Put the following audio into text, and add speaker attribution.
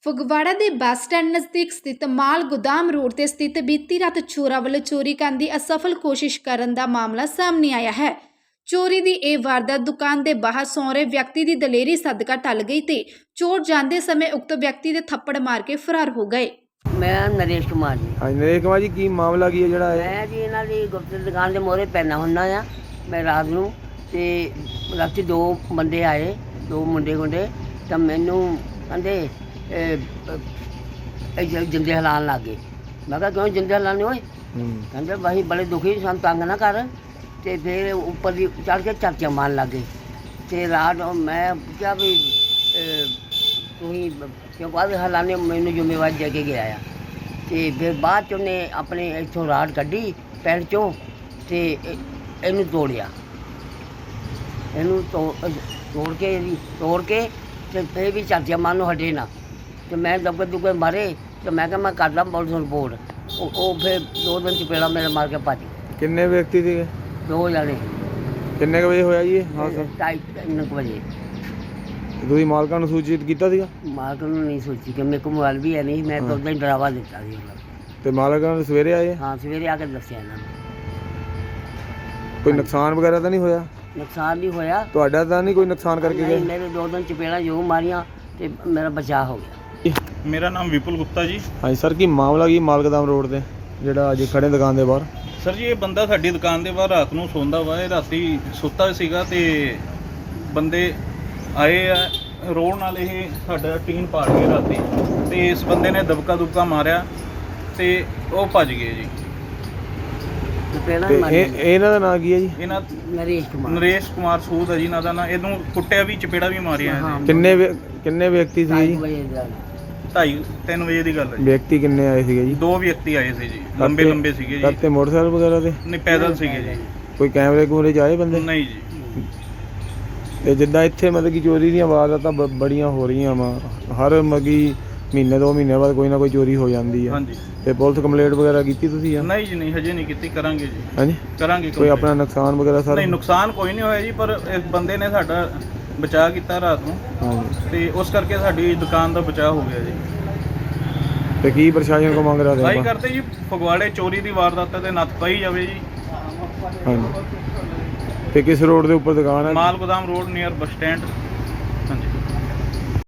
Speaker 1: ਫਗਵਾੜਾ ਦੇ bus stand ਨਜ਼ਦੀਕ ਸਥਿਤ ਮਾਲ ਗੋਦਾਮ ਰੋਡ ਤੇ ਸਥਿਤ ਬੀਤੀ ਰਾਤ ਚੋਰਾਂ ਵੱਲੋਂ ਚੋਰੀ ਕਰਨ ਦੀ ਅਸਫਲ ਕੋਸ਼ਿਸ਼ ਕਰਨ ਦਾ ਮਾਮਲਾ ਸਾਹਮਣੇ ਆਇਆ ਹੈ। ਚੋਰੀ ਦੀ ਇਹ ਵਾਰਦਾਤ ਦੁਕਾਨ ਦੇ ਬਾਹਰ ਸੌਂ ਰਹੇ ਵਿਅਕਤੀ ਦੀ ਦਲੇਰੀ ਸਦਕਾ ਟਲ ਗਈ ਤੇ ਚੋਰ ਜਾਂਦੇ ਸਮੇਂ ਉਕਤ ਵਿਅਕਤੀ ਦੇ ਥੱਪੜ ਮਾਰ ਕੇ ਫਰਾਰ ਹੋ ਗਏ।
Speaker 2: ਮੈਂ ਨਰੇਸ਼ ਕੁਮਾਰ ਜੀ।
Speaker 3: ਹਾਂਜੀ ਨਰੇਸ਼ ਕੁਮਾਰ ਜੀ, ਕੀ ਮਾਮਲਾ ਕੀ ਹੈ ਜਿਹੜਾ
Speaker 2: ਮੈਂ ਜੀ ਇਹਨਾਂ ਦੀ ਗੁਪਤ ਦੁਕਾਨ ਦੇ ਮੋਹਰੇ ਪੈਣਾ ਹੁੰਦਾ ਆ। ਮੈਂ ਰਾਤ ਨੂੰ ਤੇ ਰਾਤੀ ਦੋ ਬੰਦੇ ਆਏ, ਦੋ ਮੁੰਡੇ ਤਾਂ ਮੈਨੂੰ ਕਹਿੰਦੇ ਜਿੰਦੇ ਹਲਾਉਣ ਲੱਗ ਗਏ। ਮੈਂ ਕਿਹਾ ਕਿਉਂ ਜਿੰਦੇ ਹਲਾਉਣੇ ਹੋਏ? ਕਹਿੰਦੇ ਵਾਹੀ ਬੜੇ ਦੁਖੀ, ਸਾਨੂੰ ਤੰਗ ਨਾ ਕਰ। ਤੇ ਫਿਰ ਉੱਪਰ ਦੀ ਚੜ੍ਹ ਕੇ ਚਾਚਾ ਮਾਰਨ ਲੱਗ ਗਏ। ਤੇ ਰਾਤ ਮੈਂ ਕਿਹਾ ਵੀ ਤੁਸੀਂ ਕਿਉਂ ਬਾਅਦ ਹਲਾਣੇ, ਮੈਨੂੰ ਜ਼ਿੰਮੇਵਾਰੀ ਦੇ ਕੇ ਗਿਆ ਆ। ਤੇ ਫਿਰ ਬਾਅਦ 'ਚ ਉਹਨੇ ਆਪਣੇ ਇੱਥੋਂ ਰਾਡ ਕੱਢੀ ਪੈਰ 'ਚੋਂ ਤੇ ਇਹਨੂੰ ਤੋੜਿਆ। ਇਹਨੂੰ ਤੋੜ ਕੇ ਤੇ ਫਿਰ ਵੀ ਚਾਚਾ ਮਾਰਨ ਨੂੰ ਹਟੇ ਨਾ। ਤੇ ਮੈਂ ਦੁੱਗੇ ਮਾਰੇ ਤੇ ਮੈਂ ਕਿਹਾ ਮੈਂ ਕਰਦਾ ਪੁਲਿਸ ਨੂੰ ਰਿਪੋਰਟ। ਉਹ ਫਿਰ 2 ਦਿਨ ਚਪੇੜਾ ਮੇਰੇ ਮਾਰ ਕੇ ਭੱਜ ਗਏ।
Speaker 3: ਕਿੰਨੇ ਵਿਅਕਤੀ ਸੀਗੇ?
Speaker 2: 2 ਜਣੇ।
Speaker 3: ਕਿੰਨੇ ਕੁ ਵਜੇ ਹੋਇਆ ਜੀ ਇਹ ਹਾਦਸਾ?
Speaker 2: 2:30 ਵਜੇ।
Speaker 3: ਤੁਸੀਂ ਮਾਲਕਾਂ ਨੂੰ ਸੂਚਿਤ ਕੀਤਾ ਸੀਗਾ?
Speaker 2: ਮਾਲਕ ਨੂੰ ਨਹੀਂ ਸੋਚੀ ਕਿ ਮੇਰੇ ਕੋਲ ਮੋਬਾਈਲ ਵੀ ਹੈ ਨਹੀਂ। ਮੈਂ ਤਾਂ ਉਦਾਂ ਹੀ ਡਰਾਵਾ ਦਿੱਤਾ ਸੀ ਉਹਨਾਂ ਨੂੰ।
Speaker 3: ਤੇ ਮਾਲਕਾਂ ਨੂੰ ਸਵੇਰੇ ਆਏ?
Speaker 2: ਹਾਂ, ਸਵੇਰੇ ਆ ਕੇ ਦੱਸਿਆ ਇਹਨਾਂ ਨੂੰ।
Speaker 3: ਕੋਈ ਨੁਕਸਾਨ ਵਗੈਰਾ ਤਾਂ ਨਹੀਂ ਹੋਇਆ?
Speaker 2: ਨੁਕਸਾਨ ਨਹੀਂ ਹੋਇਆ।
Speaker 3: ਤੁਹਾਡਾ ਤਾਂ ਨਹੀਂ ਕੋਈ ਨੁਕਸਾਨ ਕਰਕੇ
Speaker 2: ਨਹੀਂ,
Speaker 3: ਗਏ?
Speaker 2: ਮੇਰੇ 2 ਦਿਨ ਚਪੇੜਾ ਜੋ ਮਾਰੀਆਂ ਤੇ ਮੇਰਾ ਬਚਾਅ ਹੋ ਗਿਆ।
Speaker 4: ਮੇਰਾ ਨਾਮ ਵਿਪੁਲ ਗੁਪਤਾ ਜੀ।
Speaker 3: ਹਾਂਜੀ ਸਰ, ਕੀ ਮਾਮਲਾ ਕੀ ਮਾਲਗੋਦਾਮ ਰੋਡ ਤੇ ਜਿਹੜਾ ਅੱਜ ਖੜੇ ਦੁਕਾਨ ਦੇ ਬਾਹਰ?
Speaker 4: ਸਰ ਜੀ, ਇਹ ਬੰਦਾ ਸਾਡੀ ਦੁਕਾਨ ਦੇ ਬਾਹਰ ਰਾਤ ਨੂੰ ਸੌਂਦਾ ਵਾ। ਇਹ ਰਾਤੀ ਸੁੱਤਾ ਸੀਗਾ ਤੇ ਬੰਦੇ ਆਏ ਆ ਰੋਡ ਨਾਲ। ਇਹ ਸਾਡਾ ਟੀਨ ਪਾੜ ਗਏ ਰਾਤੀ ਤੇ ਇਸ ਬੰਦੇ ਨੇ ਦਬਕਾ ਮਾਰਿਆ ਤੇ ਉਹ ਭੱਜ ਗਏ ਜੀ।
Speaker 2: ਚਪੇੜਾ
Speaker 3: ਤੇ
Speaker 2: ਮਾਰੀਆਂ
Speaker 3: ਇਹਨਾਂ ਦਾ ਨਾਂ ਕੀ ਹੈ ਜੀ?
Speaker 4: ਇਹਨਾਂ
Speaker 2: ਨਰੇਸ਼ ਕੁਮਾਰ
Speaker 4: ਸੂਦ ਹੈ ਜੀ ਇਹਨਾਂ ਦਾ ਨਾਂ। ਇਹਨੂੰ ਕੁੱਟਿਆ ਵੀ, ਚਪੇੜਾ ਵੀ ਮਾਰਿਆ ਇਹਨੇ।
Speaker 3: ਕਿੰਨੇ ਵਿਅਕਤੀ ਸੀ ਜੀ?
Speaker 4: 2:30-3 ਵਜੇ ਦੀ ਗੱਲ ਹੈ ਜੀ।
Speaker 3: ਵਿਅਕਤੀ ਕਿੰਨੇ ਆਏ ਸੀਗੇ ਜੀ?
Speaker 4: 2 ਵਿਅਕਤੀ ਆਏ ਸੀ ਜੀ, ਲੰਬੇ ਸੀਗੇ ਜੀ।
Speaker 3: ਕਰਤੇ ਮੋਟਰਸਾਈਕਲ ਵਗੈਰਾ ਤੇ?
Speaker 4: ਨਹੀਂ, ਪੈਦਲ ਸੀਗੇ ਜੀ।
Speaker 3: ਕੋਈ ਕੈਮਰੇ ਕੂਮਰੇ 'ਚ ਆਏ ਬੰਦੇ?
Speaker 4: ਨਹੀਂ ਜੀ।
Speaker 3: ਤੇ ਜਿੱਦਾਂ ਇੱਥੇ ਮਤਲਬ ਕਿ ਚੋਰੀ ਦੀਆਂ ਵਾਰਦਾਤਾਂ ਬੜੀਆਂ ਹੋ ਰਹੀਆਂ ਵਾ, ਹਰ ਮਗੀ ਮਹੀਨੇ 2 ਮਹੀਨੇ ਬਾਅਦ ਕੋਈ ਨਾ ਕੋਈ ਚੋਰੀ ਹੋ ਜਾਂਦੀ ਹੈ।
Speaker 4: ਹਾਂਜੀ।
Speaker 3: ਤੇ ਪੁਲਿਸ ਕੰਪਲੇਂਟ ਵਗੈਰਾ ਕੀਤੀ ਤੁਸੀਂ?
Speaker 4: ਨਹੀਂ ਜੀ, ਨਹੀਂ, ਹਜੇ ਨਹੀਂ ਕੀਤੀ। ਕਰਾਂਗੇ ਜੀ।
Speaker 3: ਹਾਂਜੀ,
Speaker 4: ਕਰਾਂਗੇ।
Speaker 3: ਕੋਈ ਆਪਣਾ ਨੁਕਸਾਨ ਵਗੈਰਾ ਸਰ?
Speaker 4: ਨਹੀਂ, ਨੁਕਸਾਨ ਕੋਈ ਨਹੀਂ ਹੋਇਆ ਜੀ, ਪਰ ਇਸ ਬੰਦੇ ਨੇ ਸਾਡਾ ਬਚਾਅ ਕੀਤਾ ਰਾਤ ਨੂੰ
Speaker 3: ਹਾਂਜੀ।
Speaker 4: ਤੇ ਉਸ ਕਰਕੇ ਸਾਡੀ ਦੁਕਾਨ ਦਾ ਬਚਾਅ ਹੋ ਗਿਆ ਜੀ।
Speaker 3: ਤੇ ਕੀ ਪ੍ਰਸ਼ਾਸਨ ਕੋ ਮੰਗ ਰਹੇ
Speaker 4: ਭਾਈ
Speaker 3: ਆਪਾਂ?
Speaker 4: ਕਰਦੇ ਜੀ, ਫਗਵਾੜੇ ਚੋਰੀ ਦੀ ਵਾਰਦਾਤ ਤੇ ਨੱਥ ਪਾਈ ਜਾਵੇ ਜੀ।
Speaker 3: ਹਾਂਜੀ। ਤੇ ਕਿਸ ਰੋਡ ਦੇ ਉੱਪਰ ਦੁਕਾਨ ਹੈ?
Speaker 4: ਮਾਲ ਗੋਦਾਮ ਰੋਡ ਨੀਅਰ ਬੱਸ ਸਟੈਂਡ।